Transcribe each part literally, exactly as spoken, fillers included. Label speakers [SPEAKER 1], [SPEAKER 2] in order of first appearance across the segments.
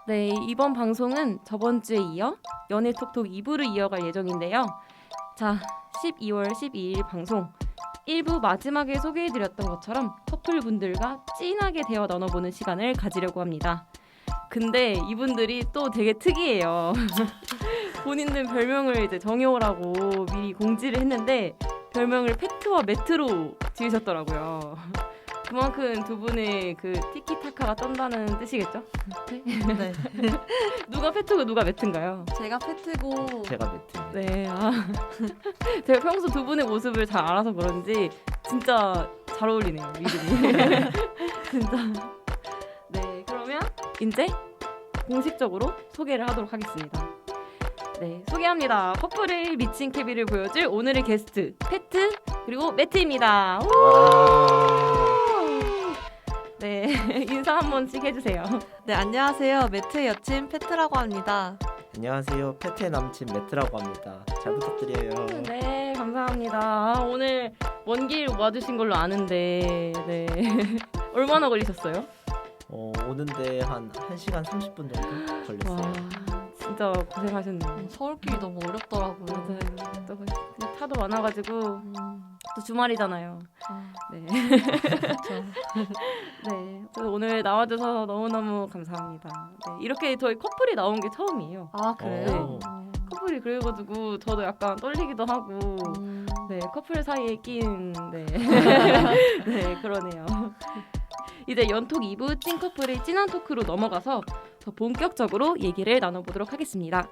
[SPEAKER 1] 네, 이번 방송은 저번 주에 이어 연애톡톡 이 부를 이어갈 예정인데요. 자, 십이월 십이일 방송 일 부 마지막에 소개해드렸던 것처럼 커플분들과 찐하게 대화 나눠보는 시간을 가지려고 합니다. 근데 이분들이 또 되게 특이해요. 본인들 별명을 이제 정해오라고 미리 공지를 했는데 별명을 페트와 매트로 지으셨더라고요. 그만큼 두 분의 그 티키타카가 떤다는 뜻이겠죠?
[SPEAKER 2] 네.
[SPEAKER 1] 누가 페트고 누가 매트인가요?
[SPEAKER 2] 제가 페트고
[SPEAKER 3] 제가 매트.
[SPEAKER 1] 네, 아, 제가 평소 두 분의 모습을 잘 알아서 그런지 진짜 잘 어울리네요, 이름이. 진짜. 네, 그러면 이제 공식적으로 소개를 하도록 하겠습니다. 네, 소개합니다. 커플의 미친 케미를 보여줄 오늘의 게스트 페트 그리고 매트입니다. 우! 네, 인사 한 번씩 해주세요.
[SPEAKER 2] 네, 안녕하세요. 매트의 여친 페트라고 합니다.
[SPEAKER 3] 안녕하세요. 페트의 남친 매트라고 합니다. 잘 부탁드려요.
[SPEAKER 1] 네, 감사합니다. 아, 오늘 먼 길 와주신 걸로 아는데 네. 얼마나 걸리셨어요?
[SPEAKER 3] 어, 오는데 한 1시간 삼십 분 정도 걸렸어요.
[SPEAKER 1] 와, 진짜 고생하셨네요.
[SPEAKER 2] 음, 서울길이 너무 어렵더라고요.
[SPEAKER 1] 맞아요. 또 차도 많아가지고
[SPEAKER 2] 음,
[SPEAKER 1] 또 주말이잖아요.
[SPEAKER 2] 아,
[SPEAKER 1] 네.
[SPEAKER 2] 그렇죠.
[SPEAKER 1] 네. 그래서 오늘 나와줘서 너무너무 감사합니다. 네. 이렇게 저희 커플이 나온 게 처음이에요.
[SPEAKER 2] 아, 그래요? 음.
[SPEAKER 1] 커플이 그래가지고 저도 약간 떨리기도 하고
[SPEAKER 2] 음.
[SPEAKER 1] 네, 커플 사이에 낀 네. 네, 그러네요. 이제 연톡 이 부 찐커플의 찐한 토크로 넘어가서 더 본격적으로 얘기를 나눠보도록 하겠습니다.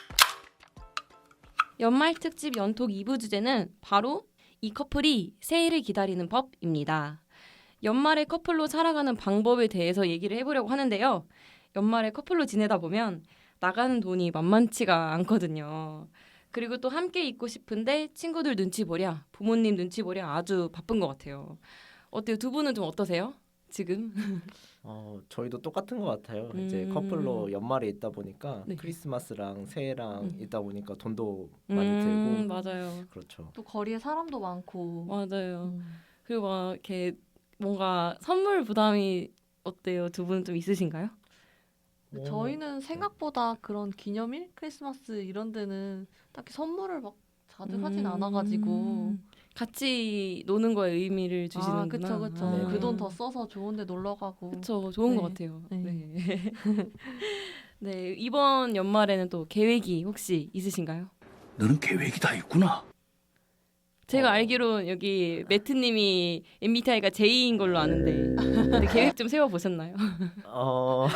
[SPEAKER 1] 연말 특집 연톡 이 부 주제는 바로 이 커플이 새해를 기다리는 법입니다. 연말에 커플로 살아가는 방법에 대해서 얘기를 해보려고 하는데요. 연말에 커플로 지내다 보면 나가는 돈이 만만치가 않거든요. 그리고 또 함께 있고 싶은데 친구들 눈치 보랴, 부모님 눈치 보랴 아주 바쁜 것 같아요. 어때요? 두 분은 좀 어떠세요? 지금?
[SPEAKER 3] 어, 저희도 똑같은 것 같아요.
[SPEAKER 1] 음.
[SPEAKER 3] 이제 커플로 연말에 있다 보니까
[SPEAKER 1] 네.
[SPEAKER 3] 크리스마스랑 새해랑
[SPEAKER 1] 음.
[SPEAKER 3] 있다 보니까 돈도 많이
[SPEAKER 1] 음,
[SPEAKER 3] 들고
[SPEAKER 1] 맞아요.
[SPEAKER 3] 그렇죠.
[SPEAKER 2] 또 거리에 사람도 많고.
[SPEAKER 1] 맞아요.
[SPEAKER 2] 음.
[SPEAKER 1] 그리고 막 이렇게 뭔가 선물 부담이 어때요? 두 분은 좀 있으신가요?
[SPEAKER 3] 어,
[SPEAKER 2] 저희는 생각보다 그런 기념일, 크리스마스 이런 데는 딱히 선물을 막 자주 하진
[SPEAKER 1] 음,
[SPEAKER 2] 않아가지고.
[SPEAKER 1] 같이 노는 거에 의미를 주시는구나.
[SPEAKER 2] 아, 그쵸, 그쵸.
[SPEAKER 3] 네.
[SPEAKER 2] 그 돈 더 써서 좋은데 놀러 가고.
[SPEAKER 1] 그쵸, 좋은
[SPEAKER 2] 네.
[SPEAKER 1] 것 같아요.
[SPEAKER 2] 네.
[SPEAKER 1] 네. 네, 이번 연말에는 또 계획이 혹시 있으신가요?
[SPEAKER 4] 너는 계획이 다 있구나.
[SPEAKER 1] 제가
[SPEAKER 3] 어.
[SPEAKER 1] 알기로 여기 매트님이 엠비티아이가 제이인 걸로 아는데 근데 계획 좀 세워보셨나요?
[SPEAKER 3] 어...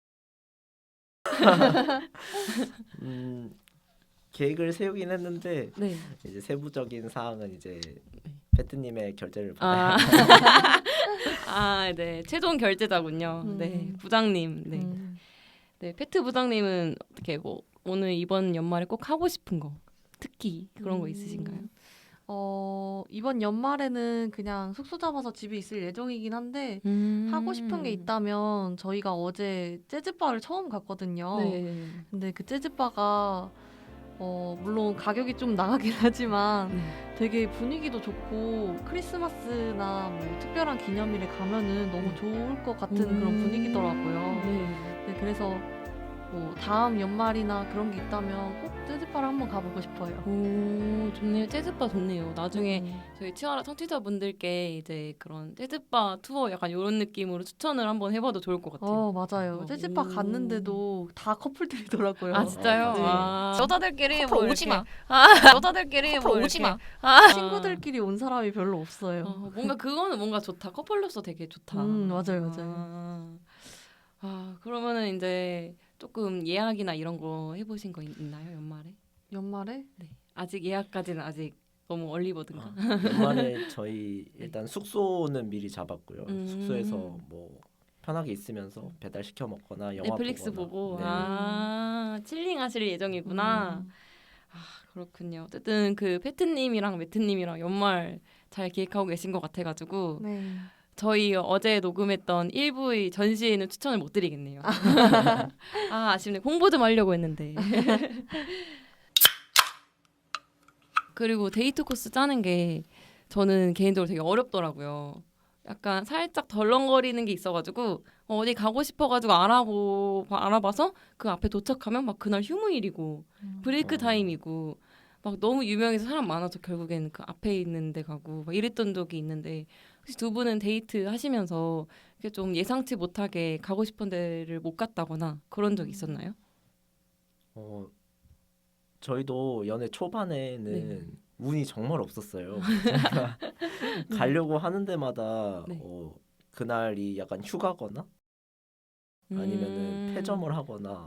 [SPEAKER 3] 음, 계획을 세우긴 했는데
[SPEAKER 1] 네.
[SPEAKER 3] 이제 세부적인 사항은 이제 페트님의 결제를 받아야
[SPEAKER 1] 아, 아, 네. 최종 결제자군요.
[SPEAKER 2] 음.
[SPEAKER 1] 네, 부장님. 네,
[SPEAKER 2] 음.
[SPEAKER 1] 네. 페트 부장님은 어떻게 뭐 오늘 이번 연말에 꼭 하고 싶은 거, 특히 그런 거
[SPEAKER 2] 음.
[SPEAKER 1] 있으신가요?
[SPEAKER 2] 어, 이번 연말에는 그냥 숙소 잡아서 집에 있을 예정이긴 한데
[SPEAKER 1] 음.
[SPEAKER 2] 하고 싶은 게 있다면 저희가 어제 재즈바를 처음 갔거든요.
[SPEAKER 1] 네.
[SPEAKER 2] 근데 그 재즈바가 어, 물론 가격이 좀 나가긴 하지만
[SPEAKER 1] 네.
[SPEAKER 2] 되게 분위기도 좋고 크리스마스나 뭐 특별한 기념일에 가면은 너무 좋을 것 같은 그런 분위기더라고요.
[SPEAKER 1] 네.
[SPEAKER 2] 네, 그래서 뭐 다음 연말이나 그런 게 있다면 꼭 재즈바를 한번 가보고 싶어요.
[SPEAKER 1] 오, 좋네요. 재즈바 좋네요. 나중에
[SPEAKER 2] 음.
[SPEAKER 1] 저희 치아라 청취자분들께 이제 그런 재즈바 투어 약간 이런 느낌으로 추천을 한번 해봐도 좋을 것 같아요.
[SPEAKER 2] 어, 맞아요.
[SPEAKER 1] 어,
[SPEAKER 2] 재즈바
[SPEAKER 1] 오.
[SPEAKER 2] 갔는데도 다 커플들이더라고요.
[SPEAKER 1] 아 진짜요?
[SPEAKER 2] 네.
[SPEAKER 1] 아, 여자들끼리
[SPEAKER 5] 커플
[SPEAKER 1] 뭐
[SPEAKER 5] 오지
[SPEAKER 1] 이렇게-
[SPEAKER 5] 마.
[SPEAKER 1] 아, 여자들끼리
[SPEAKER 5] 커플
[SPEAKER 1] 뭐
[SPEAKER 5] 오지
[SPEAKER 1] 이렇게-
[SPEAKER 5] 마.
[SPEAKER 1] 아,
[SPEAKER 2] 친구들끼리 온 사람이 별로 없어요.
[SPEAKER 1] 어, 뭔가 그거는 뭔가 좋다. 커플로서 되게 좋다.
[SPEAKER 2] 음, 맞아요, 맞아요.
[SPEAKER 1] 아, 아, 그러면은 이제 조금 예약이나 이런 거 해보신 거 있, 있나요 연말에?
[SPEAKER 2] 연말에?
[SPEAKER 1] 네. 아직 예약까지는 아직 너무 얼리버든가.
[SPEAKER 3] 아, 연말에 저희 일단 숙소는 미리 잡았고요.
[SPEAKER 1] 음.
[SPEAKER 3] 숙소에서 뭐 편하게 있으면서 배달 시켜 먹거나 영화
[SPEAKER 1] 넷플릭스
[SPEAKER 3] 보거나.
[SPEAKER 1] 보고
[SPEAKER 3] 네.
[SPEAKER 1] 아 칠링하실 예정이구나.
[SPEAKER 2] 음.
[SPEAKER 1] 아 그렇군요. 어쨌든 그 페트님이랑 매트님이랑 연말 잘 기획하고 계신 것 같아가지고
[SPEAKER 2] 네.
[SPEAKER 1] 저희 어제 녹음했던 일 부의 전시회는 추천을 못 드리겠네요. 아 아쉽네. 홍보 좀 하려고 했는데. 그리고 데이트 코스 짜는 게 저는 개인적으로 되게 어렵더라고요. 약간 살짝 덜렁거리는 게 있어가지고 어, 어디 가고 싶어가지고 알아보 알아봐서 그 앞에 도착하면 막 그날 휴무일이고
[SPEAKER 2] 음.
[SPEAKER 1] 브레이크
[SPEAKER 3] 어.
[SPEAKER 1] 타임이고 막 너무 유명해서 사람 많아서 결국에는 그 앞에 있는 데 가고 막 이랬던 적이 있는데 혹시 두 분은 데이트 하시면서 이렇게 좀 예상치 못하게 가고 싶은 데를 못 갔다거나 그런 적 있었나요?
[SPEAKER 3] 어, 저희도 연애 초반에는
[SPEAKER 1] 네.
[SPEAKER 3] 운이 정말 없었어요. 저희가 가려고 하는 데마다
[SPEAKER 1] 네.
[SPEAKER 3] 어, 그날이 약간 휴가거나 아니면은
[SPEAKER 1] 음.
[SPEAKER 3] 폐점을 하거나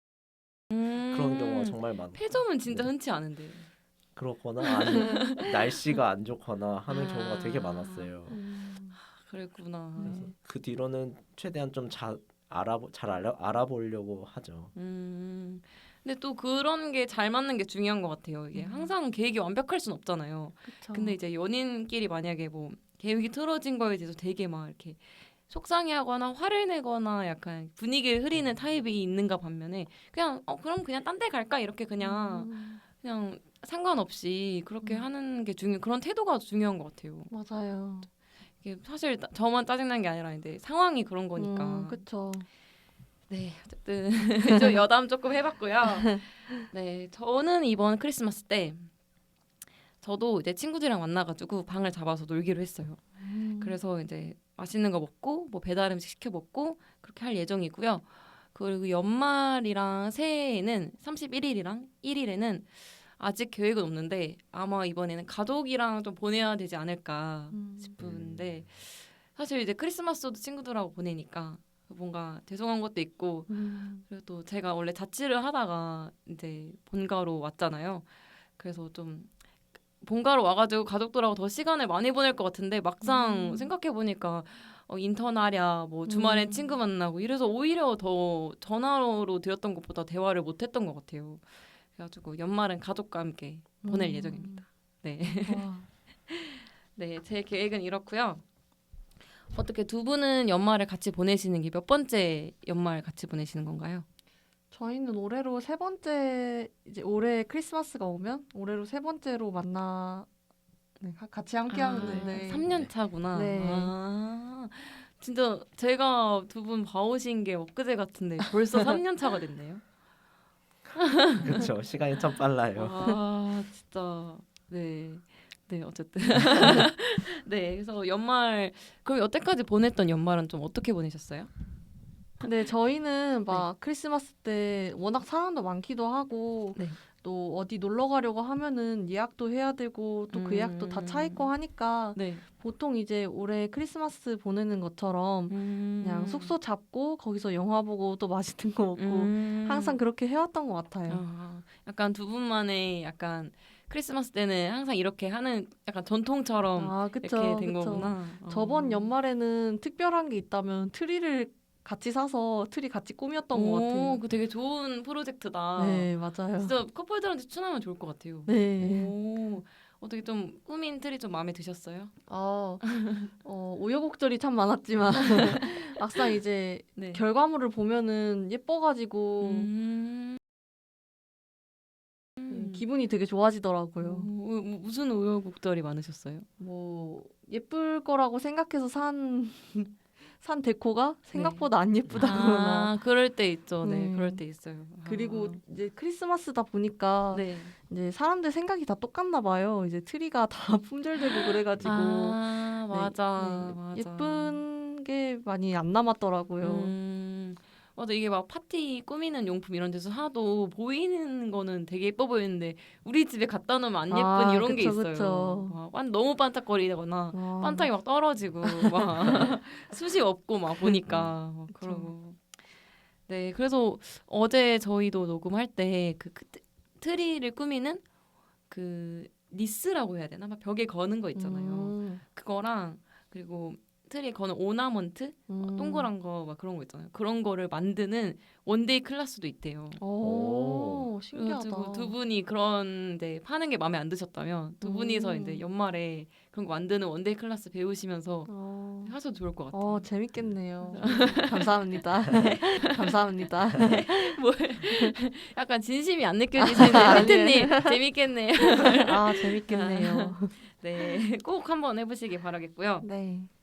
[SPEAKER 1] 음.
[SPEAKER 3] 그런 경우가 정말 많고
[SPEAKER 1] 폐점은 진짜
[SPEAKER 3] 네.
[SPEAKER 1] 흔치 않은데.
[SPEAKER 3] 그렇거나 아니면 날씨가 안 좋거나 하는
[SPEAKER 1] 아.
[SPEAKER 3] 경우가 되게 많았어요.
[SPEAKER 2] 음.
[SPEAKER 1] 그랬구나.
[SPEAKER 3] 그래서
[SPEAKER 2] 네.
[SPEAKER 3] 그 뒤로는 최대한 좀 자, 알아보, 잘 알아, 알아보려고 하죠.
[SPEAKER 1] 음. 근데 또 그런 게 잘 맞는 게 중요한 것 같아요. 이게
[SPEAKER 2] 음.
[SPEAKER 1] 항상 계획이 완벽할 순 없잖아요.
[SPEAKER 2] 그쵸.
[SPEAKER 1] 근데 이제 연인끼리 만약에 뭐 계획이 틀어진 거에 대해서 되게 막 이렇게 속상해하거나 화를 내거나 약간 분위기를 흐리는 타입이 있는가 반면에 그냥 어 그럼 그냥 딴 데 갈까 이렇게 그냥
[SPEAKER 2] 음.
[SPEAKER 1] 그냥 상관없이 그렇게
[SPEAKER 2] 음.
[SPEAKER 1] 하는 게 중요 그런 태도가 중요한 것 같아요.
[SPEAKER 2] 맞아요.
[SPEAKER 1] 이게 사실 나- 저만 짜증난 게 아니라 이제 상황이 그런 거니까.
[SPEAKER 2] 음, 그쵸.
[SPEAKER 1] 네, 어쨌든 좀 여담 조금 해봤고요. 네, 저는 이번 크리스마스 때 저도 이제 친구들이랑 만나가지고 방을 잡아서 놀기로 했어요.
[SPEAKER 2] 음.
[SPEAKER 1] 그래서 이제 맛있는 거 먹고 뭐 배달 음식 시켜 먹고 그렇게 할 예정이고요. 그리고 연말이랑 새해에는 삼십일 일이랑 일 일에는 아직 계획은 없는데 아마 이번에는 가족이랑 좀 보내야 되지 않을까
[SPEAKER 2] 음.
[SPEAKER 1] 싶은데 사실 이제 크리스마스도 친구들하고 보내니까 뭔가 죄송한 것도 있고
[SPEAKER 2] 음.
[SPEAKER 1] 그리고 또 제가 원래 자취를 하다가 이제 본가로 왔잖아요. 그래서 좀 본가로 와가지고 가족들하고 더 시간을 많이 보낼 것 같은데 막상
[SPEAKER 2] 음.
[SPEAKER 1] 생각해 보니까 어, 인턴하랴 뭐 주말엔
[SPEAKER 2] 음.
[SPEAKER 1] 친구 만나고 이래서 오히려 더 전화로 드렸던 것보다 대화를 못했던 것 같아요. 그래가지고 연말은 가족과 함께 보낼
[SPEAKER 2] 음.
[SPEAKER 1] 예정입니다. 네,
[SPEAKER 2] 와.
[SPEAKER 1] 네, 제 계획은 이렇고요. 어떻게 두 분은 연말을 같이 보내시는 게 몇 번째 연말 같이 보내시는 건가요?
[SPEAKER 2] 저희는 올해로 세 번째 이제 올해 크리스마스가 오면 올해로 세 번째로 만나 네, 가- 같이 함께 하는데
[SPEAKER 1] 삼 년 차구나.
[SPEAKER 2] 네.
[SPEAKER 1] 아, 진짜 제가 두 분 봐오신 게 엊그제 같은데 벌써 삼 년 차가 됐네요.
[SPEAKER 3] 그렇죠. 시간이 참 빨라요.
[SPEAKER 1] 아, 진짜. 네. 네, 어쨌든. 네, 그래서 연말 그럼 여태까지 보냈던 연말은 좀 어떻게 보내셨어요?
[SPEAKER 2] 근데 저희는 막 크리스마스 때 워낙 사람도 많기도 하고
[SPEAKER 1] 네.
[SPEAKER 2] 또 어디 놀러 가려고 하면은 예약도 해야 되고 또 그 예약도 다 차 있고 하니까
[SPEAKER 1] 네.
[SPEAKER 2] 보통 이제 올해 크리스마스 보내는 것처럼 그냥 숙소 잡고 거기서 영화 보고 또 맛있는 거 먹고
[SPEAKER 1] 음.
[SPEAKER 2] 항상 그렇게 해왔던 것 같아요.
[SPEAKER 1] 아, 약간 두 분만의 약간 크리스마스 때는 항상 이렇게 하는 약간 전통처럼
[SPEAKER 2] 아, 그쵸,
[SPEAKER 1] 이렇게 된
[SPEAKER 2] 그쵸.
[SPEAKER 1] 거구나.
[SPEAKER 2] 저번
[SPEAKER 1] 어.
[SPEAKER 2] 연말에는 특별한 게 있다면 트리를 같이 사서 트리 같이 꾸몄던 것
[SPEAKER 1] 오,
[SPEAKER 2] 같아요.
[SPEAKER 1] 그 되게 좋은 프로젝트다.
[SPEAKER 2] 네, 맞아요.
[SPEAKER 1] 진짜 커플들한테 추천하면 좋을 것 같아요.
[SPEAKER 2] 네.
[SPEAKER 1] 오, 어떻게 좀 꾸민 틀이 좀 마음에 드셨어요?
[SPEAKER 2] 어, 어, 우여곡절이 참 많았지만 막상 이제
[SPEAKER 1] 네.
[SPEAKER 2] 결과물을 보면은 예뻐가지고
[SPEAKER 1] 음.
[SPEAKER 2] 음, 기분이 되게 좋아지더라고요.
[SPEAKER 1] 오, 우- 무슨 우여곡절이 많으셨어요?
[SPEAKER 2] 뭐 예쁠 거라고 생각해서 산, 산 데코가 생각보다 안 예쁘다거나
[SPEAKER 1] 아, 그럴 때 있죠. 네,
[SPEAKER 2] 음.
[SPEAKER 1] 그럴 때 있어요.
[SPEAKER 2] 그리고
[SPEAKER 1] 아.
[SPEAKER 2] 이제 크리스마스다 보니까
[SPEAKER 1] 네.
[SPEAKER 2] 이제 사람들 생각이 다 똑같나 봐요. 이제 트리가 다 품절되고 그래가지고
[SPEAKER 1] 아,
[SPEAKER 2] 네,
[SPEAKER 1] 맞아,
[SPEAKER 2] 네,
[SPEAKER 1] 맞아.
[SPEAKER 2] 예쁜 게 많이 안 남았더라고요.
[SPEAKER 1] 음, 맞아. 이게 막 파티 꾸미는 용품 이런 데서 사도 보이는 거는 되게 예뻐 보이는데 우리 집에 갖다 놓으면 안 예쁜
[SPEAKER 2] 아,
[SPEAKER 1] 이런 게
[SPEAKER 2] 그쵸,
[SPEAKER 1] 있어요.
[SPEAKER 2] 그쵸.
[SPEAKER 1] 막 완- 너무 반짝거리거나
[SPEAKER 2] 와.
[SPEAKER 1] 반짝이 막 떨어지고 막 숱이 없고 막 보니까 막
[SPEAKER 2] 그쵸.
[SPEAKER 1] 그러고. 네, 그래서 어제 저희도 녹음할 때 그 트리를 꾸미는 그 니스라고 해야 되나? 막 벽에 거는 거 있잖아요.
[SPEAKER 2] 음,
[SPEAKER 1] 그거랑 그리고 트리에 거는 오나먼트 어,
[SPEAKER 2] 음.
[SPEAKER 1] 동그란 거 막 그런 거 있잖아요. 그런 거를 만드는 원데이 클래스도 있대요.
[SPEAKER 2] 오, 신기하다.
[SPEAKER 1] 그래가지고 두 분이 그런데 파는 게 마음에 안 드셨다면 두 분이서
[SPEAKER 2] 음.
[SPEAKER 1] 이제 연말에 그런 거 만드는 원데이 클래스 배우시면서
[SPEAKER 2] 어,
[SPEAKER 1] 하셔도 좋을 것 같아요.
[SPEAKER 2] 어, 재밌겠네요. 감사합니다. 감사합니다.
[SPEAKER 1] 뭐 약간 진심이 안 느껴지시네요.
[SPEAKER 2] 아니에요.
[SPEAKER 1] 하트님 재밌겠네요.
[SPEAKER 2] 아, 재밌겠네요.
[SPEAKER 1] 네, 꼭 한번 해보시기 바라겠고요.
[SPEAKER 2] 네.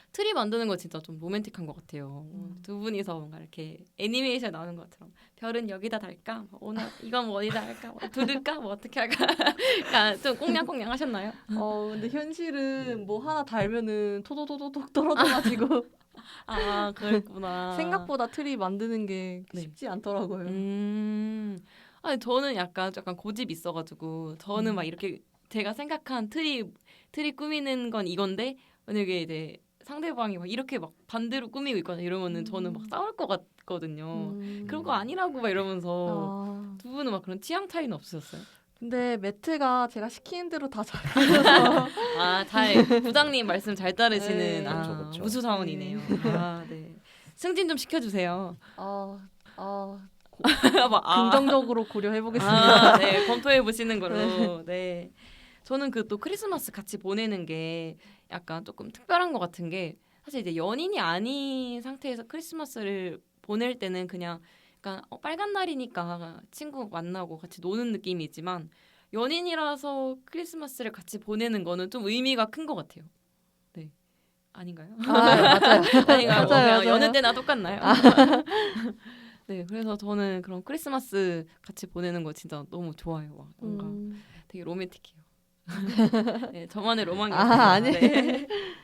[SPEAKER 1] 트리 만드는 거 진짜 좀 로맨틱한 것 같아요.
[SPEAKER 2] 음.
[SPEAKER 1] 두 분이서 뭔가 이렇게 애니메이션 나오는 것처럼 별은 여기다 달까? 뭐 오늘 이건 뭐 어디다 할까? 뭐 두를까? 뭐 어떻게 할까? 그러니까 좀 꽁냥꽁냥 하셨나요?
[SPEAKER 2] 어 근데 현실은 뭐 하나 달면은 토도도도독 떨어져가지고
[SPEAKER 1] 아 그랬구나.
[SPEAKER 2] 생각보다 트리 만드는 게
[SPEAKER 1] 네.
[SPEAKER 2] 쉽지 않더라고요.
[SPEAKER 1] 음. 아니 저는 약간 약간 고집 있어가지고 저는
[SPEAKER 2] 음.
[SPEAKER 1] 막 이렇게 제가 생각한 트리 트리 꾸미는 건 이건데 만약에 이제 상대방이 막 이렇게 막 반대로 꾸미고 있거나 이러면은 저는 막
[SPEAKER 2] 음.
[SPEAKER 1] 싸울 것 같거든요.
[SPEAKER 2] 음.
[SPEAKER 1] 그런 거 아니라고 막 이러면서
[SPEAKER 2] 아,
[SPEAKER 1] 두 분은 막 그런 취향 차이는 없으셨어요?
[SPEAKER 2] 근데 매트가 제가 시키는 대로 다 잘해서
[SPEAKER 1] 아, 잘 부장님 말씀 잘 따르시는
[SPEAKER 2] 네.
[SPEAKER 1] 아,
[SPEAKER 3] 그쵸, 그쵸.
[SPEAKER 1] 무수 사원이네요. 아, 네. 승진 좀 시켜주세요.
[SPEAKER 2] 아, 아,
[SPEAKER 1] 막, 아.
[SPEAKER 2] 긍정적으로 고려해 보겠습니다.
[SPEAKER 1] 아, 네, 검토해 보시는 걸로. 네. 저는 그 또 크리스마스 같이 보내는 게 약간 조금 특별한 것 같은 게 사실 이제 연인이 아닌 상태에서 크리스마스를 보낼 때는 그냥 약간 어, 빨간 날이니까 친구 만나고 같이 노는 느낌이지만 연인이라서 크리스마스를 같이 보내는 거는 좀 의미가 큰 것 같아요. 네. 아닌가요?
[SPEAKER 2] 아, 맞아요.
[SPEAKER 1] 아닌가요? 뭐
[SPEAKER 2] 맞아요,
[SPEAKER 1] 그냥
[SPEAKER 2] 맞아요.
[SPEAKER 1] 여느 때나 똑같나요? 네, 그래서 저는 그런 크리스마스 같이 보내는 거 진짜 너무 좋아요. 막 뭔가
[SPEAKER 2] 음.
[SPEAKER 1] 되게 로맨틱해요. 네, 저만의 로망이
[SPEAKER 2] 아,
[SPEAKER 1] 있어요.
[SPEAKER 2] 아니.
[SPEAKER 1] 네.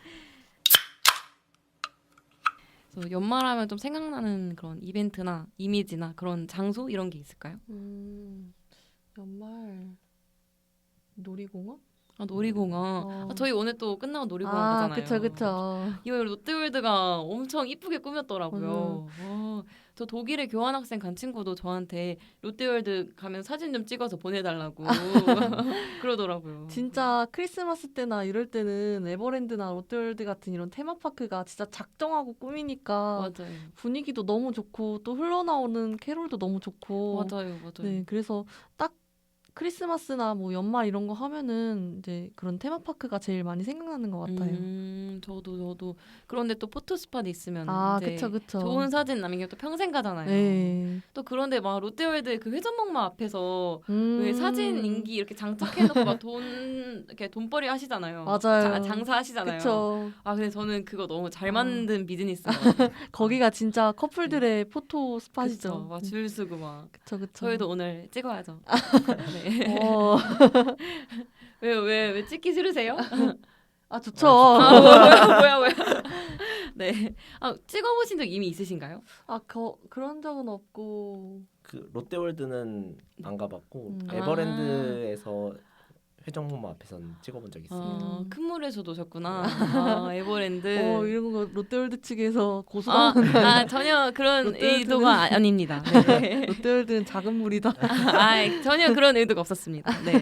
[SPEAKER 1] 그래서 연말하면 좀 생각나는 그런 이벤트나 이미지나 그런 장소 이런 게 있을까요?
[SPEAKER 2] 음, 연말 놀이공원?
[SPEAKER 1] 아, 놀이공원.
[SPEAKER 2] 어.
[SPEAKER 1] 아, 저희 오늘 또 끝나고 놀이공원
[SPEAKER 2] 아,
[SPEAKER 1] 가잖아요.
[SPEAKER 2] 그쵸, 그쵸.
[SPEAKER 1] 이거 롯데월드가 엄청 이쁘게 꾸몄더라고요.
[SPEAKER 2] 음.
[SPEAKER 1] 어, 저 독일에 교환학생 간 친구도 저한테 롯데월드 가면 사진 좀 찍어서 보내달라고 그러더라고요.
[SPEAKER 2] 진짜 크리스마스 때나 이럴 때는 에버랜드나 롯데월드 같은 이런 테마파크가 진짜 작정하고 꾸미니까
[SPEAKER 1] 맞아요.
[SPEAKER 2] 분위기도 너무 좋고 또 흘러나오는 캐롤도 너무 좋고
[SPEAKER 1] 맞아요, 맞아요.
[SPEAKER 2] 네, 그래서 딱 크리스마스나 뭐 연말 이런 거 하면은 이제 그런 테마파크가 제일 많이 생각나는 것 같아요.
[SPEAKER 1] 음, 저도 저도 그런데 또 포토 스팟 있으면
[SPEAKER 2] 아,
[SPEAKER 1] 이제
[SPEAKER 2] 그쵸, 그쵸.
[SPEAKER 1] 좋은 사진 남기면 또 평생 가잖아요.
[SPEAKER 2] 네.
[SPEAKER 1] 또 그런데 막 롯데월드 그 회전목마 앞에서
[SPEAKER 2] 음.
[SPEAKER 1] 왜 사진 인기 이렇게 장착해놓고 막 돈 이렇게 돈벌이 하시잖아요.
[SPEAKER 2] 맞아요.
[SPEAKER 1] 자, 장사하시잖아요.
[SPEAKER 2] 그쵸.
[SPEAKER 1] 아 근데 저는 그거 너무 잘
[SPEAKER 2] 아.
[SPEAKER 1] 만든 비즈니스인 것 같아요.
[SPEAKER 2] 거기가 진짜 커플들의 포토
[SPEAKER 1] 그쵸,
[SPEAKER 2] 스팟이죠.
[SPEAKER 1] 막 줄 서고 막
[SPEAKER 2] 그쵸, 그쵸.
[SPEAKER 1] 저희도 오늘 찍어야죠. 네.
[SPEAKER 2] 어.
[SPEAKER 1] 왜왜 왜 찍기 싫으세요?
[SPEAKER 2] 아, 좋죠.
[SPEAKER 1] 아, 뭐야 뭐야 뭐야. 네. 아 찍어보신 적 이미 있으신가요?
[SPEAKER 2] 아, 거, 그런 적은 없고.
[SPEAKER 3] 그 롯데월드는 안 가봤고
[SPEAKER 2] 음.
[SPEAKER 3] 에버랜드에서 회전목마 앞에서는 찍어본 적 있어요.
[SPEAKER 1] 어,
[SPEAKER 2] 음.
[SPEAKER 1] 큰 물에서 노셨구나. 아, 에버랜드.
[SPEAKER 2] 어, 이런 거 롯데월드 측에서
[SPEAKER 1] 아,
[SPEAKER 2] 고소당하는
[SPEAKER 1] 아 전혀 그런
[SPEAKER 2] 롯데월드는-
[SPEAKER 1] 의도가 아- 아닙니다. 네.
[SPEAKER 2] 롯데월드는 작은 물이다.
[SPEAKER 1] 아, 전혀 그런 의도가 없었습니다. 네.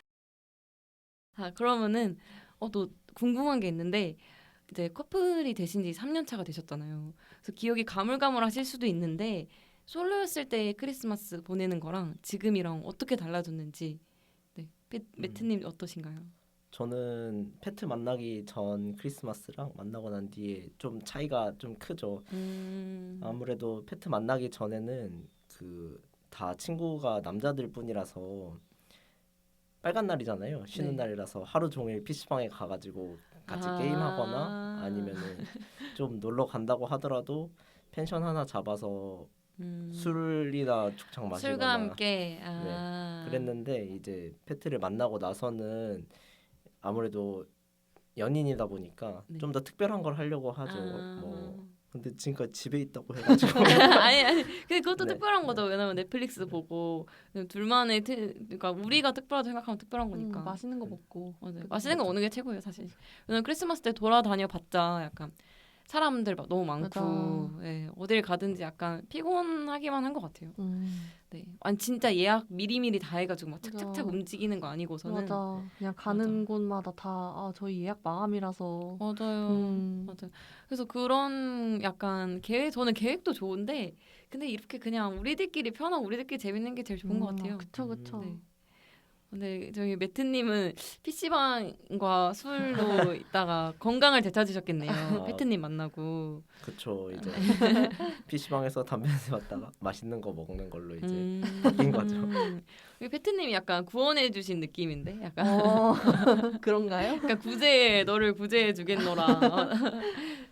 [SPEAKER 1] 아, 그러면은 어, 또 궁금한 게 있는데 이제 커플이 되신 지 삼 년 차가 되셨잖아요. 그래서 기억이 가물가물하실 수도 있는데 솔로였을 때 크리스마스 보내는 거랑 지금이랑 어떻게 달라졌는지 네. 페- 매트님 어떠신가요?
[SPEAKER 3] 저는 페트 만나기 전 크리스마스랑 만나고 난 뒤에 좀 차이가 좀 크죠.
[SPEAKER 1] 음.
[SPEAKER 3] 아무래도 페트 만나기 전에는 그 다 친구가 남자들 뿐이라서 빨간 날이잖아요. 쉬는
[SPEAKER 1] 네.
[SPEAKER 3] 날이라서 하루 종일 피시방에 가가지고 같이
[SPEAKER 1] 아.
[SPEAKER 3] 게임하거나 아니면은 좀 놀러 간다고 하더라도 펜션 하나 잡아서
[SPEAKER 1] 음.
[SPEAKER 3] 술이나 죽창 마시거나
[SPEAKER 1] 술과 함께 아.
[SPEAKER 3] 그랬는데 이제 페트를 만나고 나서는 아무래도 연인이다 보니까
[SPEAKER 1] 네.
[SPEAKER 3] 좀 더 특별한 걸 하려고 하죠.
[SPEAKER 1] 아.
[SPEAKER 3] 뭐 근데 지금까지 집에 있다고 해가지고
[SPEAKER 1] 아니 아니 근데 그것도
[SPEAKER 3] 네.
[SPEAKER 1] 특별한 거죠. 왜냐면 넷플릭스 보고 둘만의 트, 그러니까 우리가 특별하다 생각하면 특별한
[SPEAKER 2] 음,
[SPEAKER 1] 거니까.
[SPEAKER 2] 맛있는 거 먹고.
[SPEAKER 1] 맞아요. 맛있는 거 먹는 게 최고예요, 사실. 왜냐면 크리스마스 때 돌아다녀 봤자 약간 사람들 막 너무 많고 예, 어딜 가든지 약간 피곤하기만 한 것 같아요.
[SPEAKER 2] 음,
[SPEAKER 1] 네, 아니 진짜 예약 미리미리 다 해가지고 막 착착착
[SPEAKER 2] 맞아.
[SPEAKER 1] 움직이는 거 아니고서는
[SPEAKER 2] 맞아. 그냥 가는 곳마다 다 아, 저희 예약 마감이라서.
[SPEAKER 1] 맞아요.
[SPEAKER 2] 음.
[SPEAKER 1] 맞아요. 그래서 그런 약간 계획 저는 계획도 좋은데 근데 이렇게 그냥 우리들끼리 편하고 우리들끼리 재밌는 게 제일 좋은 것
[SPEAKER 2] 음,
[SPEAKER 1] 같아요.
[SPEAKER 2] 그쵸, 그쵸.
[SPEAKER 1] 네. 근데 저희 매트님은 피시방과 술로 있다가 건강을 되찾으셨겠네요.
[SPEAKER 3] 아.
[SPEAKER 1] 패트님 만나고.
[SPEAKER 3] 그쵸 이제 피시방에서 담배 냄새 맡다가 맛있는 거 먹는 걸로 이제
[SPEAKER 1] 음.
[SPEAKER 3] 바뀐 거죠.
[SPEAKER 1] 우리 패트님이 약간 구원해주신 느낌인데, 약간
[SPEAKER 2] 어, 그런가요?
[SPEAKER 1] 약간 구제 너를 구제해 주겠노라.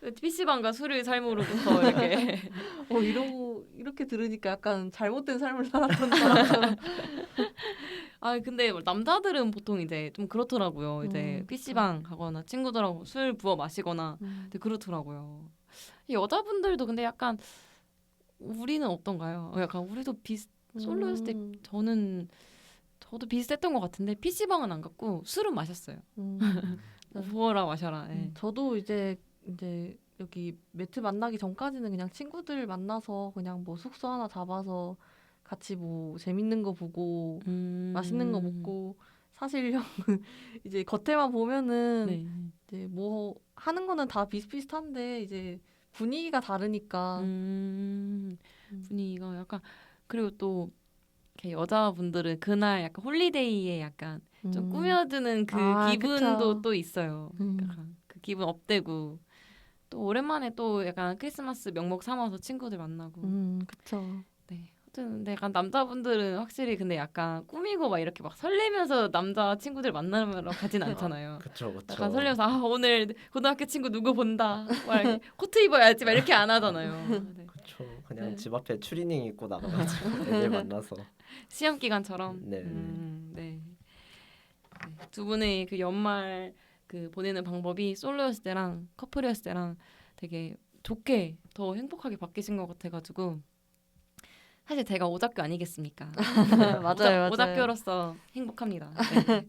[SPEAKER 1] 피시방과 술을 삶으로부터 이렇게
[SPEAKER 2] 어 이러고 이렇게 들으니까 약간 잘못된 삶을 살았던 사람처럼.
[SPEAKER 1] 아 근데 남자들은 보통 이제 좀 그렇더라고요. 이제
[SPEAKER 2] 음,
[SPEAKER 1] 피시방 가거나 친구들하고 술 부어 마시거나
[SPEAKER 2] 음.
[SPEAKER 1] 근데 그렇더라고요. 여자분들도 근데 약간 우리는 어떤가요? 어, 약간 우리도 비슷 솔로였을 때
[SPEAKER 2] 음,
[SPEAKER 1] 저는 저도 비슷했던 것 같은데 피시방은 안 갔고 술은 마셨어요.
[SPEAKER 2] 음. 네.
[SPEAKER 1] 부어라 마셔라. 예.
[SPEAKER 2] 음, 저도 이제 이제 여기 매트 만나기 전까지는 그냥 친구들 만나서 그냥 뭐 숙소 하나 잡아서 같이 뭐 재밌는 거 보고
[SPEAKER 1] 음.
[SPEAKER 2] 맛있는 거 먹고 사실 형은 이제 겉에만 보면은
[SPEAKER 1] 네.
[SPEAKER 2] 이제 뭐 하는 거는 다 비슷비슷한데 이제 분위기가 다르니까
[SPEAKER 1] 음.
[SPEAKER 2] 음.
[SPEAKER 1] 분위기가 약간 그리고 또 이렇게 여자분들은 그날 약간 홀리데이에 약간 좀
[SPEAKER 2] 음.
[SPEAKER 1] 꾸며주는 그
[SPEAKER 2] 아,
[SPEAKER 1] 기분도
[SPEAKER 2] 그쵸.
[SPEAKER 1] 또 있어요.
[SPEAKER 2] 음.
[SPEAKER 1] 약간 그 기분 업되고 또 오랜만에 또 약간 크리스마스 명목 삼아서 친구들 만나고.
[SPEAKER 2] 음, 그쵸.
[SPEAKER 1] 네. 아무튼 근데 약간 남자분들은 확실히 근데 약간 꾸미고 막 이렇게 막 설레면서 남자 친구들 만나러 가진 않잖아요.
[SPEAKER 3] 그쵸 그쵸.
[SPEAKER 1] 약간 설레면서 아 오늘 고등학교 친구 누구 본다. 막 이렇게 코트 입어야지 막 이렇게 안 하잖아요. 네.
[SPEAKER 3] 그쵸. 그냥
[SPEAKER 1] 네.
[SPEAKER 3] 집 앞에 추리닝 입고 나가가지고 애들 만나서.
[SPEAKER 1] 시험 기간처럼.
[SPEAKER 3] 네.
[SPEAKER 1] 음, 네. 네. 두 분의 그 연말 그 보내는 방법이 솔로였을 때랑 커플이었을 때랑 되게 좋게 더 행복하게 바뀌신 것 같아가지고 사실 제가 오작교 아니겠습니까?
[SPEAKER 2] 맞아요,
[SPEAKER 1] 오작,
[SPEAKER 2] 맞아요.
[SPEAKER 1] 오작교로서 행복합니다. 네.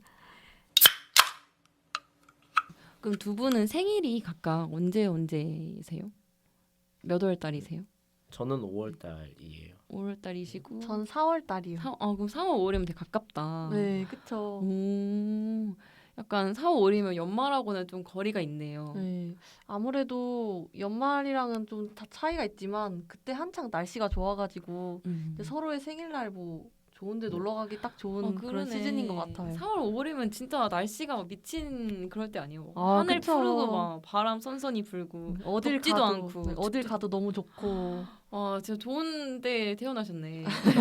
[SPEAKER 1] 그럼 두 분은 생일이 각각 언제 언제세요? 몇 월 달이세요?
[SPEAKER 3] 저는 오월 달이에요.
[SPEAKER 1] 오월 달이시고
[SPEAKER 2] 전 사월 달이요.
[SPEAKER 1] 사, 아 그럼 사월 오월이면 되게 가깝다.
[SPEAKER 2] 네, 그쵸.
[SPEAKER 1] 오, 약간 사월 오월이면 연말하고는 좀 거리가 있네요.
[SPEAKER 2] 네, 아무래도 연말이랑은 좀 다 차이가 있지만 그때 한창 날씨가 좋아가지고
[SPEAKER 1] 음.
[SPEAKER 2] 근데 서로의 생일날 뭐 좋은데
[SPEAKER 3] 네.
[SPEAKER 2] 놀러 가기 딱 좋은
[SPEAKER 1] 어,
[SPEAKER 2] 그런
[SPEAKER 1] 그러네.
[SPEAKER 2] 시즌인 것 같아요.
[SPEAKER 1] 사월 오월이면 진짜 날씨가 막 미친 그럴 때 아니에요.
[SPEAKER 2] 아,
[SPEAKER 1] 하늘
[SPEAKER 2] 그쵸.
[SPEAKER 1] 푸르고 막 바람 선선히 불고
[SPEAKER 2] 어딜
[SPEAKER 1] 덥지도
[SPEAKER 2] 가도
[SPEAKER 1] 않고
[SPEAKER 2] 네, 어딜
[SPEAKER 1] 춥지도
[SPEAKER 2] 가도 너무 좋고.
[SPEAKER 1] 와 진짜 좋은데 태어나셨네.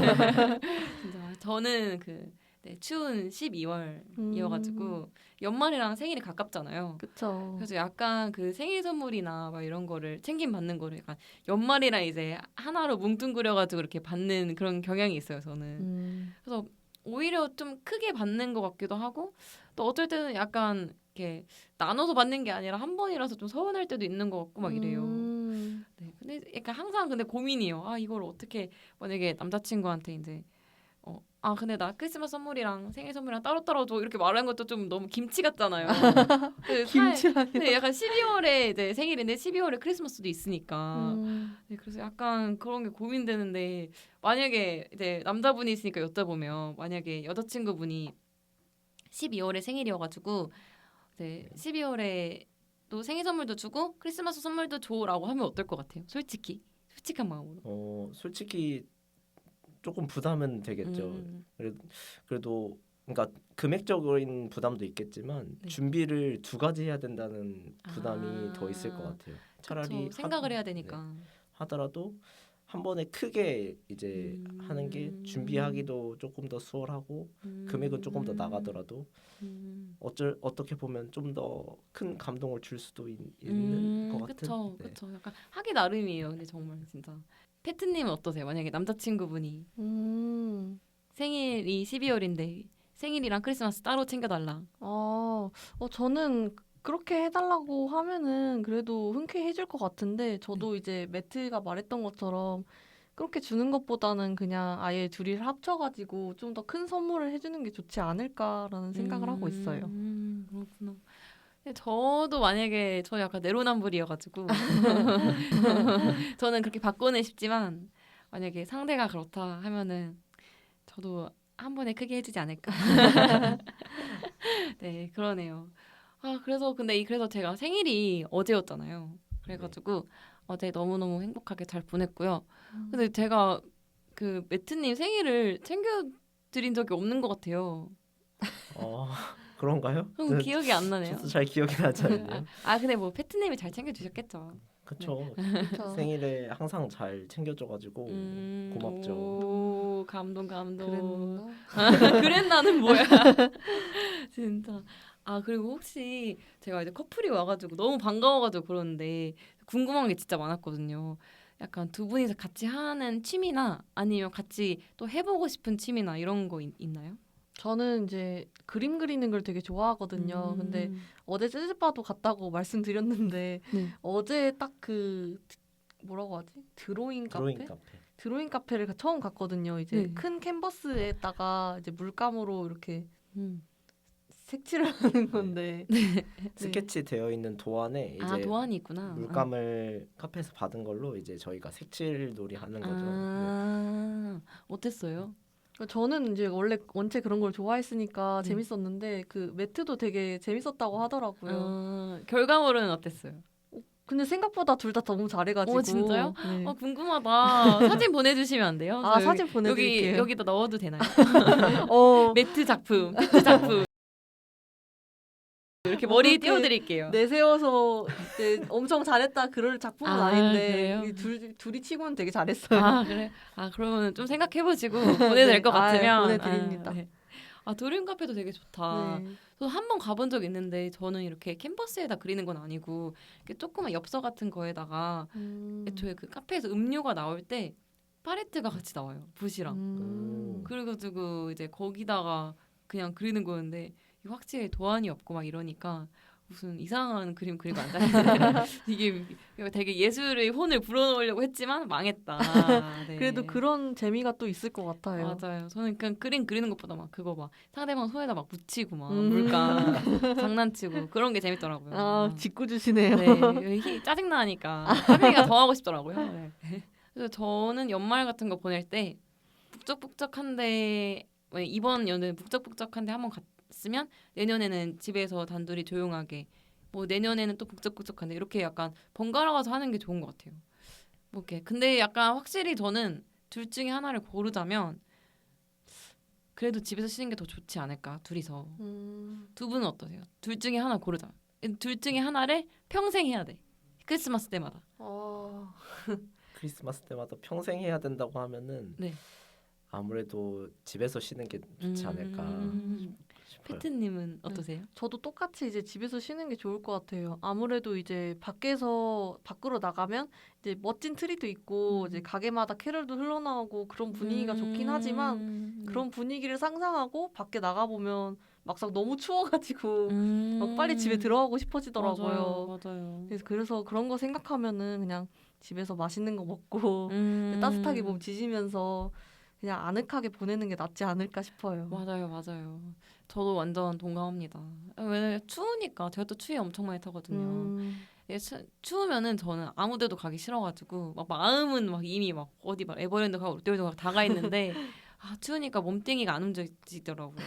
[SPEAKER 1] 진짜 저는 그 네, 추운 십이월이어가지고
[SPEAKER 2] 음,
[SPEAKER 1] 연말이랑 생일이 가깝잖아요.
[SPEAKER 2] 그쵸.
[SPEAKER 1] 그래서 약간 그 생일 선물이나 막 이런 거를 챙김 받는 거를 약간 연말이랑 이제 하나로 뭉뚱그려가지고 이렇게 받는 그런 경향이 있어요. 저는.
[SPEAKER 2] 음,
[SPEAKER 1] 그래서 오히려 좀 크게 받는 것 같기도 하고 또 어떨 때는 약간 이렇게 나눠서 받는 게 아니라 한 번이라서 좀 서운할 때도 있는 것 같고 막 이래요.
[SPEAKER 2] 음,
[SPEAKER 1] 네, 근데 약간 항상 근데 고민이에요. 아 이걸 어떻게 만약에 남자친구한테 이제 어, 아 근데 나 크리스마스 선물이랑 생일 선물이랑 따로따로 줘 이렇게 말하는 것도 좀 너무 김치 같잖아요. 그 살-
[SPEAKER 2] 김치라니.
[SPEAKER 1] 네, 약간 십이월에 이제 생일인데 십이월에 크리스마스도 있으니까
[SPEAKER 2] 음,
[SPEAKER 1] 네, 그래서 약간 그런 게 고민되는데 만약에 이제 남자분이 있으니까 여쭤보면 만약에 여자친구분이 십이월에 생일이어가지고 이제 십이월에 또 생일 선물도 주고 크리스마스 선물도 줘라고 하면 어떨 것 같아요? 솔직히 솔직한 마음으로.
[SPEAKER 3] 어 솔직히 조금 부담은 되겠죠.
[SPEAKER 1] 음,
[SPEAKER 3] 그래도, 그래도 그러니까 금액적인 부담도 있겠지만
[SPEAKER 1] 네.
[SPEAKER 3] 준비를 두 가지 해야 된다는 부담이
[SPEAKER 1] 아,
[SPEAKER 3] 더 있을 것 같아요. 차라리
[SPEAKER 1] 그쵸, 생각을
[SPEAKER 3] 하,
[SPEAKER 1] 해야
[SPEAKER 3] 네,
[SPEAKER 1] 되니까.
[SPEAKER 3] 하더라도 한 번에 크게 이제
[SPEAKER 1] 음.
[SPEAKER 3] 하는 게 준비하기도 조금 더 수월하고
[SPEAKER 1] 음.
[SPEAKER 3] 금액은 조금 더 나가더라도
[SPEAKER 1] 음.
[SPEAKER 3] 어쩔 어떻게 보면 좀 더 큰 감동을 줄 수도 있,
[SPEAKER 1] 음,
[SPEAKER 3] 있는 것 같은.
[SPEAKER 1] 그쵸,
[SPEAKER 3] 네.
[SPEAKER 1] 그쵸. 약간 하기 나름이에요. 근데 정말 진짜. 패트님은 어떠세요? 만약에 남자친구분이
[SPEAKER 2] 음.
[SPEAKER 1] 생일이 십이월인데 생일이랑 크리스마스 따로 챙겨달라.
[SPEAKER 2] 아, 어, 저는 그렇게 해달라고 하면은 그래도 흔쾌히 해줄 것 같은데 저도
[SPEAKER 1] 네.
[SPEAKER 2] 이제 매트가 말했던 것처럼 그렇게 주는 것보다는 그냥 아예 둘이를 합쳐가지고 좀 더 큰 선물을 해주는 게 좋지 않을까라는 생각을 하고 있어요.
[SPEAKER 1] 음, 그렇구나. 근데 저도 만약에 저 약간 내로남불이어가지고 저는 그렇게 바꾸는 싶지만 만약에 상대가 그렇다 하면은 저도 한 번에 크게 해주지 않을까. 네, 그러네요. 아, 그래서 근데 이 그래서 제가 생일이 어제였잖아요. 그래가지고 어제 너무너무 행복하게 잘 보냈고요. 근데 제가 그 매트님 생일을 챙겨드린 적이 없는 것 같아요.
[SPEAKER 3] 어 그런가요?
[SPEAKER 1] 그럼
[SPEAKER 3] 저-
[SPEAKER 1] 기억이 안 나네요.
[SPEAKER 3] 저도 잘 기억이 나지 않네요.
[SPEAKER 1] 아, 근데 뭐 패트님이 잘 챙겨주셨겠죠.
[SPEAKER 3] 그쵸.
[SPEAKER 2] 그쵸?
[SPEAKER 3] 생일에 항상 잘 챙겨줘가지고
[SPEAKER 1] 음,
[SPEAKER 3] 고맙죠.
[SPEAKER 1] 오, 감동, 감동.
[SPEAKER 2] 그랬나?
[SPEAKER 1] 그랬나는 뭐야? 진짜. 아 그리고 혹시 제가 이제 커플이 와가지고 너무 반가워가지고 그러는데 궁금한 게 진짜 많았거든요. 약간 두 분이서 같이 하는 취미나 아니면 같이 또 해보고 싶은 취미나 이런 거 있, 있나요?
[SPEAKER 2] 저는 이제 그림 그리는 걸 되게 좋아하거든요.
[SPEAKER 1] 음.
[SPEAKER 2] 근데 어제 재즈바도 갔다고 말씀드렸는데
[SPEAKER 1] 네.
[SPEAKER 2] 어제 딱 그 뭐라고 하지? 드로잉 카페?
[SPEAKER 3] 드로잉 카페.
[SPEAKER 2] 드로잉 카페를 가- 처음 갔거든요. 이제
[SPEAKER 1] 네.
[SPEAKER 2] 큰 캔버스에다가 이제 물감으로 이렇게
[SPEAKER 1] 음.
[SPEAKER 2] 색칠을 하는 건데
[SPEAKER 3] 스케치 되어 있는 도안에 이제
[SPEAKER 1] 아 도안이 있구나.
[SPEAKER 3] 물감을 카페에서 받은 걸로 이제 저희가 색칠 놀이 하는 거죠. 네.
[SPEAKER 1] 아, 어땠어요?
[SPEAKER 2] 저는 이제 원래 원체 그런 걸 좋아했으니까
[SPEAKER 1] 네.
[SPEAKER 2] 재밌었는데 그 매트도 되게 재밌었다고 하더라고요.
[SPEAKER 1] 아, 결과물은 어땠어요?
[SPEAKER 2] 근데 생각보다 둘 다 너무 잘해가지고.
[SPEAKER 1] 오, 진짜요?
[SPEAKER 2] 네.
[SPEAKER 1] 어, 궁금하다. 사진 보내주시면 안 돼요?
[SPEAKER 2] 아
[SPEAKER 1] 저
[SPEAKER 2] 사진
[SPEAKER 1] 여기
[SPEAKER 2] 보내드릴게요.
[SPEAKER 1] 여기다 넣어도 되나요?
[SPEAKER 2] 어,
[SPEAKER 1] 매트 작품, 매트 작품. 이렇게 머리에
[SPEAKER 2] 어떻게
[SPEAKER 1] 띄워드릴게요.
[SPEAKER 2] 내세워서 이제 엄청 잘했다 그럴 작품은
[SPEAKER 1] 아,
[SPEAKER 2] 아, 닌데
[SPEAKER 1] 그래요?
[SPEAKER 2] 둘, 둘이 치고는 되게 잘했어요.
[SPEAKER 1] 아 그래? 아 그러면 좀 생각해보시고 보내도 될 것
[SPEAKER 2] 네, 아,
[SPEAKER 1] 같으면
[SPEAKER 2] 보내드립니다.
[SPEAKER 1] 아, 네. 아 드림 카페도 되게 좋다.
[SPEAKER 2] 네.
[SPEAKER 1] 저 한 번 가본 적 있는데 저는 이렇게 캔버스에다 그리는 건 아니고 이렇게 조그만 엽서 같은 거에다가
[SPEAKER 2] 음.
[SPEAKER 1] 애초에 그 카페에서 음료가 나올 때 팔레트가 같이 나와요. 붓이랑.
[SPEAKER 2] 음.
[SPEAKER 1] 그래가지고 이제 거기다가 그냥 그리는 거였는데 이게 확실히 도안이 없고 막 이러니까 무슨 이상한 그림 그리고 앉았는데 이게 되게 예술의 혼을 불어넣으려고 했지만 망했다. 네.
[SPEAKER 2] 그래도 그런 재미가 또 있을 것 같아요.
[SPEAKER 1] 맞아요. 저는 그냥 그림 그리는 것보다 막 그거 막 상대방 손에다 막 묻히고 막
[SPEAKER 2] 음.
[SPEAKER 1] 물감 장난치고 그런 게 재밌더라고요.
[SPEAKER 2] 아 짓고 주시네요.
[SPEAKER 1] 네, 히- 짜증나니까 카페가 더 하고 싶더라고요. 네. 그래서 저는 연말 같은 거 보낼 때 북적북적한데 왜 이번 연은 북적북적한데 한번 갔으면 내년에는 집에서 단둘이 조용하게 뭐 내년에는 또 북적북적한데 이렇게 약간 번갈아가서 하는 게 좋은 것 같아요. 뭐 이렇게 근데 약간 확실히 저는 둘 중에 하나를 고르자면 그래도 집에서 쉬는 게 더 좋지 않을까 둘이서.
[SPEAKER 2] 음.
[SPEAKER 1] 두 분은 어떠세요? 둘 중에 하나 고르자. 둘 중에 하나를 평생 해야 돼. 크리스마스 때마다.
[SPEAKER 2] 어...
[SPEAKER 3] 크리스마스 때마다 평생 해야 된다고 하면은
[SPEAKER 1] 네.
[SPEAKER 3] 아무래도 집에서 쉬는 게 좋지 않을까
[SPEAKER 1] 음.
[SPEAKER 3] 싶어요.
[SPEAKER 1] 피트님은 어떠세요?
[SPEAKER 2] 저도 똑같이 이제 집에서 쉬는 게 좋을 것 같아요. 아무래도 이제 밖에서 밖으로 나가면 이제 멋진 트리도 있고
[SPEAKER 1] 음.
[SPEAKER 2] 이제 가게마다 캐럴도 흘러나오고 그런 분위기가 좋긴 하지만
[SPEAKER 1] 음.
[SPEAKER 2] 그런 분위기를 상상하고 밖에 나가 보면 막상 너무 추워가지고
[SPEAKER 1] 음.
[SPEAKER 2] 막 빨리 집에 들어가고 싶어지더라고요.
[SPEAKER 1] 맞아요. 맞아요.
[SPEAKER 2] 그래서 그래서 그런 거 생각하면은 그냥 집에서 맛있는 거 먹고
[SPEAKER 1] 음.
[SPEAKER 2] 따뜻하게 몸 지지면서 그냥 아늑하게 보내는 게 낫지 않을까 싶어요.
[SPEAKER 1] 맞아요, 맞아요. 저도 완전 동감합니다. 왜냐면 추우니까 제가 또 추위 엄청 많이 타거든요.
[SPEAKER 2] 음,
[SPEAKER 1] 예, 추, 추우면은 저는 아무데도 가기 싫어가지고 막 마음은 막 이미 막 어디 막 에버랜드 가고 롯데월드 가고 다 가 있는데 아 추우니까 몸뚱이가 안 움직이더라고요.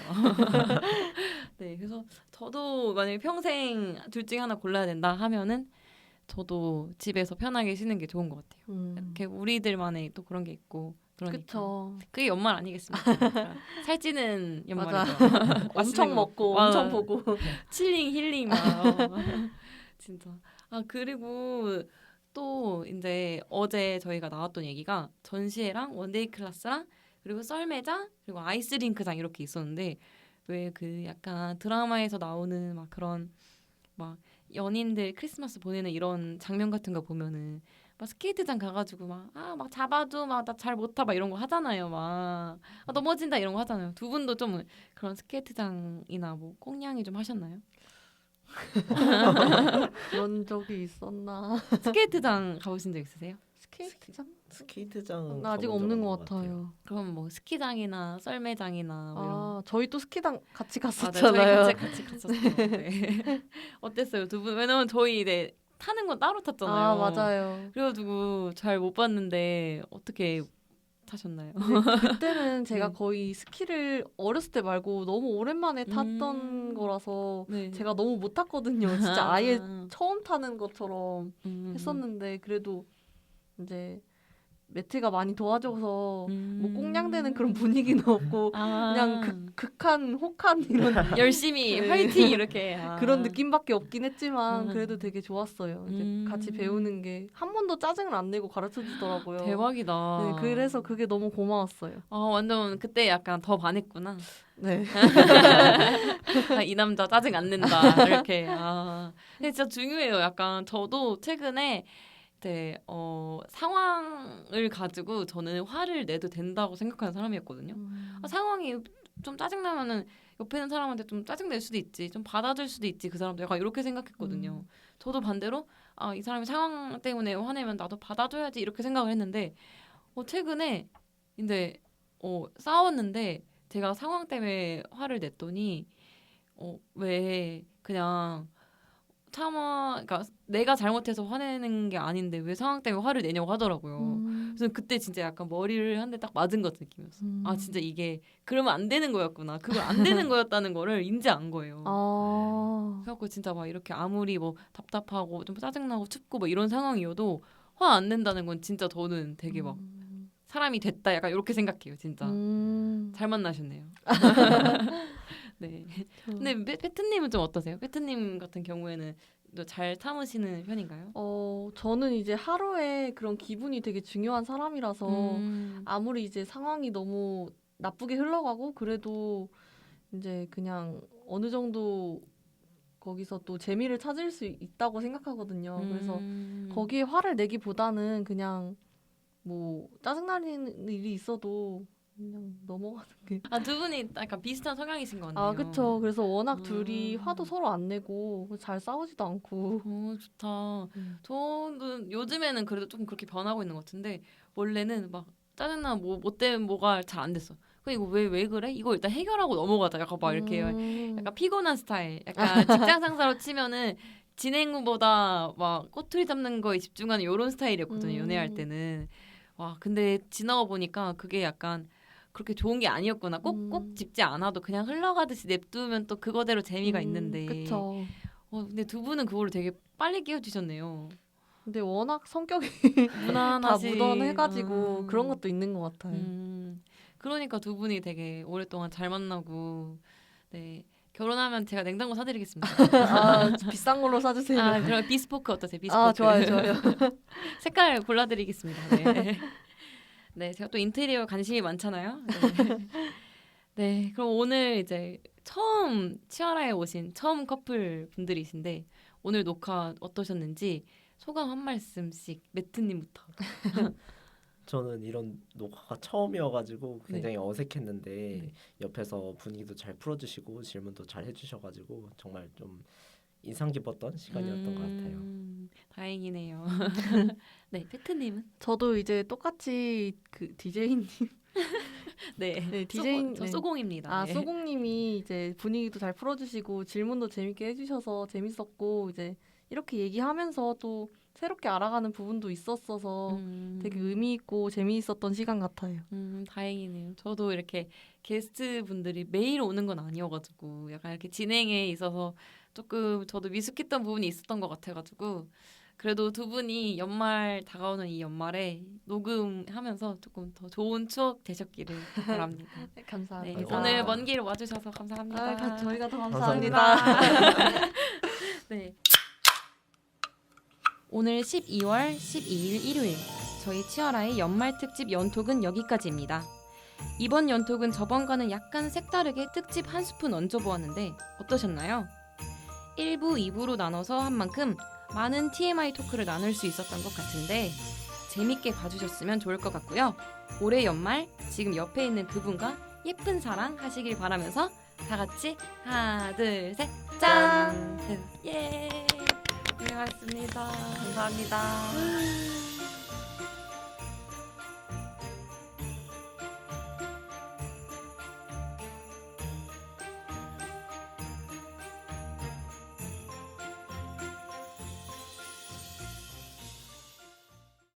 [SPEAKER 1] 네, 그래서 저도 만약에 평생 둘 중에 하나 골라야 된다 하면은 저도 집에서 편하게 쉬는 게 좋은 것 같아요.
[SPEAKER 2] 음.
[SPEAKER 1] 이렇게 우리들만의 또 그런 게 있고 그러니까.
[SPEAKER 2] 그쵸.
[SPEAKER 1] 그게 연말 아니겠습니까? 그러니까 살찌는 연말이죠.
[SPEAKER 2] 엄청
[SPEAKER 1] 맛있는 거
[SPEAKER 2] 먹고
[SPEAKER 1] 먹고.
[SPEAKER 2] 엄청
[SPEAKER 1] 아,
[SPEAKER 2] 보고.
[SPEAKER 1] 칠링 힐링 막 진짜. 아 그리고 또 이제 어제 저희가 나왔던 얘기가 전시회랑 원데이 클래스랑 그리고 썰매장 그리고 아이스링크장 이렇게 있었는데 왜 그 약간 드라마에서 나오는 막 그런 막 연인들 크리스마스 보내는 이런 장면 같은 거 보면은 막 스케이트장 가가지고 막 아 막 잡아줘 막 나 잘 못 타 막 이런 거 하잖아요 막 아, 넘어진다 이런 거 하잖아요. 두 분도 좀 그런 스케이트장이나 뭐 꽁냥이 좀 하셨나요?
[SPEAKER 2] 그런 적이 있었나?
[SPEAKER 1] 스케이트장 가보신 적 있으세요?
[SPEAKER 2] 스케이트장?
[SPEAKER 3] 스케이트장
[SPEAKER 2] 나 아직
[SPEAKER 3] 가본
[SPEAKER 2] 없는
[SPEAKER 3] 적은
[SPEAKER 2] 것
[SPEAKER 3] 없는
[SPEAKER 2] 같아요.
[SPEAKER 1] 그럼 뭐 스키장이나 썰매장이나 뭐 이런
[SPEAKER 2] 아, 저희 또 스키장 같이
[SPEAKER 1] 아, 네,
[SPEAKER 2] 갔었잖아요.
[SPEAKER 1] 저희 같이 같이 갔었어요. 네. 어땠어요, 두 분? 왜냐면 저희 이제 타는 건 따로 탔잖아요.
[SPEAKER 2] 아, 맞아요.
[SPEAKER 1] 그래가지고 잘 못 봤는데 어떻게 타셨나요?
[SPEAKER 2] 그때는 제가
[SPEAKER 1] 네.
[SPEAKER 2] 거의 스키를 어렸을 때 말고 너무 오랜만에 탔던
[SPEAKER 1] 음.
[SPEAKER 2] 거라서
[SPEAKER 1] 네.
[SPEAKER 2] 제가 너무 못 탔거든요. 진짜 아예 처음 타는 것처럼
[SPEAKER 1] 음.
[SPEAKER 2] 했었는데 그래도 이제 매트가 많이 도와줘서
[SPEAKER 1] 음.
[SPEAKER 2] 뭐 꽁냥대는 그런 분위기는 없고
[SPEAKER 1] 아.
[SPEAKER 2] 그냥 극, 극한 혹한 이런
[SPEAKER 1] 열심히
[SPEAKER 2] 네.
[SPEAKER 1] 화이팅 이렇게 아.
[SPEAKER 2] 그런 느낌밖에 없긴 했지만
[SPEAKER 1] 음.
[SPEAKER 2] 그래도 되게 좋았어요. 이제
[SPEAKER 1] 음.
[SPEAKER 2] 같이 배우는 게 한 번도 짜증을 안 내고 가르쳐 주더라고요.
[SPEAKER 1] 대박이다.
[SPEAKER 2] 네, 그래서 그게 너무 고마웠어요.
[SPEAKER 1] 아 완전 그때 약간 더 반했구나.
[SPEAKER 2] 네.
[SPEAKER 1] 아, 이 남자 짜증 안 낸다 이렇게. 아 근데 진짜 중요해요. 약간 저도 최근에 네, 어, 상황을 가지고 저는 화를 내도 된다고 생각하는 사람이었거든요.
[SPEAKER 2] 음.
[SPEAKER 1] 아, 상황이 좀 짜증나면은 옆에 있는 사람한테 좀 짜증낼 수도 있지, 좀 받아줄 수도 있지, 그 사람도 약간 이렇게 생각했거든요.
[SPEAKER 2] 음.
[SPEAKER 1] 저도 반대로 아, 이 사람이 상황 때문에 화내면 나도 받아줘야지 이렇게 생각을 했는데 어, 최근에 근데 어, 싸웠는데 제가 상황 때문에 화를 냈더니 어, 왜 그냥 참아, 그러니까 내가 잘못해서 화내는 게 아닌데 왜 상황 때문에 화를 내냐고 하더라고요.
[SPEAKER 2] 음.
[SPEAKER 1] 그래서 그때 진짜 약간 머리를 한 대 딱 맞은 것 같은 느낌이었어.
[SPEAKER 2] 음.
[SPEAKER 1] 아 진짜 이게 그러면 안 되는 거였구나. 그걸 안 되는 거였다는 거를 인지한 거예요.
[SPEAKER 2] 아.
[SPEAKER 1] 그래갖고 진짜 막 이렇게 아무리 뭐 답답하고 좀 짜증나고 춥고 뭐 이런 상황이어도 화 안 낸다는 건 진짜 저는 되게 막
[SPEAKER 2] 음.
[SPEAKER 1] 사람이 됐다 약간 이렇게 생각해요. 진짜
[SPEAKER 2] 음.
[SPEAKER 1] 잘 만나셨네요. 네. 근데 페- 페트님은 좀 어떠세요? 페트님 같은 경우에는 또 잘 참으시는 편인가요?
[SPEAKER 2] 어, 저는 이제 하루에 그런 기분이 되게 중요한 사람이라서
[SPEAKER 1] 음.
[SPEAKER 2] 아무리 이제 상황이 너무 나쁘게 흘러가고 그래도 이제 그냥 어느 정도 거기서 또 재미를 찾을 수 있다고 생각하거든요. 그래서
[SPEAKER 1] 음.
[SPEAKER 2] 거기에 화를 내기보다는 그냥 뭐 짜증나는 일이 있어도 그냥 넘어가는 게.
[SPEAKER 1] 아, 두 분이 약간 비슷한 성향이신 것 같네요.
[SPEAKER 2] 아, 그쵸. 그래서 워낙
[SPEAKER 1] 음.
[SPEAKER 2] 둘이 화도 서로 안 내고 잘 싸우지도 않고.
[SPEAKER 1] 오, 좋다.
[SPEAKER 2] 음.
[SPEAKER 1] 저는 요즘에는 그래도 조금 그렇게 변하고 있는 것 같은데 원래는 막 짜증나 뭐, 뭐 때문에 뭐가 잘 안 됐어. 그 이거 왜 왜 그래? 이거 일단 해결하고 넘어가자. 약간 막 이렇게
[SPEAKER 2] 음.
[SPEAKER 1] 약간 피곤한 스타일. 약간 직장 상사로 치면은 진행보다 막 꼬투리 잡는 거에 집중하는 이런 스타일이었거든요.
[SPEAKER 2] 음.
[SPEAKER 1] 연애할 때는. 와, 근데 지나고 보니까 그게 약간 그렇게 좋은 게 아니었구나. 꼭 꼭
[SPEAKER 2] 음.
[SPEAKER 1] 짚지 않아도 그냥 흘러가듯이 냅두면 또 그거대로 재미가
[SPEAKER 2] 음,
[SPEAKER 1] 있는데.
[SPEAKER 2] 그쵸.
[SPEAKER 1] 어, 근데 두 분은 그거를 되게 빨리 깨우치셨네요.
[SPEAKER 2] 근데 워낙 성격이 다
[SPEAKER 1] 무난하시.
[SPEAKER 2] 묻어해가지고
[SPEAKER 1] 음.
[SPEAKER 2] 그런 것도 있는 것 같아요.
[SPEAKER 1] 음, 그러니까 두 분이 되게 오랫동안 잘 만나고, 네, 결혼하면 제가 냉장고 사드리겠습니다.
[SPEAKER 2] 아, 비싼 걸로 사주세요.
[SPEAKER 1] 아, 그럼 비스포크 어떠세요? 비스포크.
[SPEAKER 2] 아, 좋아요, 좋아요.
[SPEAKER 1] 색깔 골라드리겠습니다. 네. 네, 제가 또 인테리어 관심이 많잖아요. 네. 네, 그럼 오늘 이제 처음 치아라에 오신 처음 커플 분들이신데 오늘 녹화 어떠셨는지 소감 한 말씀씩 매트님부터.
[SPEAKER 3] 저는 이런 녹화가 처음이어가지고
[SPEAKER 1] 네.
[SPEAKER 3] 굉장히 어색했는데
[SPEAKER 1] 네.
[SPEAKER 3] 옆에서 분위기도 잘 풀어주시고 질문도 잘 해주셔가지고 정말 좀 인상 깊었던 시간이었던 것 같아요.
[SPEAKER 1] 음, 다행이네요. 네, 페트님은?
[SPEAKER 2] 저도 이제 똑같이 그 디제이님,
[SPEAKER 1] 네,
[SPEAKER 2] 네,
[SPEAKER 1] 소고-
[SPEAKER 2] 디제인,
[SPEAKER 1] 저
[SPEAKER 2] 네.
[SPEAKER 1] 소공입니다.
[SPEAKER 2] 아,
[SPEAKER 1] 네.
[SPEAKER 2] 소공님이 이제 분위기도 잘 풀어주시고 질문도 재밌게 해주셔서 재밌었고 이제 이렇게 얘기하면서 또 새롭게 알아가는 부분도 있었어서
[SPEAKER 1] 음,
[SPEAKER 2] 되게 의미 있고 재미있었던 시간 같아요.
[SPEAKER 1] 음, 다행이네요. 저도 이렇게 게스트 분들이 매일 오는 건 아니어가지고 약간 이렇게 진행에 있어서 조금 저도 미숙했던 부분이 있었던 것 같아가지고 그래도 두 분이 연말 다가오는 이 연말에 녹음하면서 조금 더 좋은 추억 되셨기를 바랍니다.
[SPEAKER 2] 네,
[SPEAKER 1] 네,
[SPEAKER 2] 감사합니다.
[SPEAKER 1] 오늘 먼 길 와주셔서 감사합니다.
[SPEAKER 2] 아, 가- 저희가 더
[SPEAKER 3] 감사합니다.
[SPEAKER 2] 감사합니다.
[SPEAKER 1] 네. 오늘 십이월 십이일 일요일 저희 치어라의 연말 특집 연톡은 여기까지입니다. 이번 연톡은 저번과는 약간 색다르게 특집 한 스푼 얹어보았는데 어떠셨나요? 일 부, 이 부로 나눠서 한 만큼 많은 티엠아이 토크를 나눌 수 있었던 것 같은데 재밌게 봐주셨으면 좋을 것 같고요. 올해 연말 지금 옆에 있는 그분과 예쁜 사랑 하시길 바라면서 다 같이 하나, 둘, 셋, 짠! 예! 고생하셨습니다.
[SPEAKER 2] 감사합니다.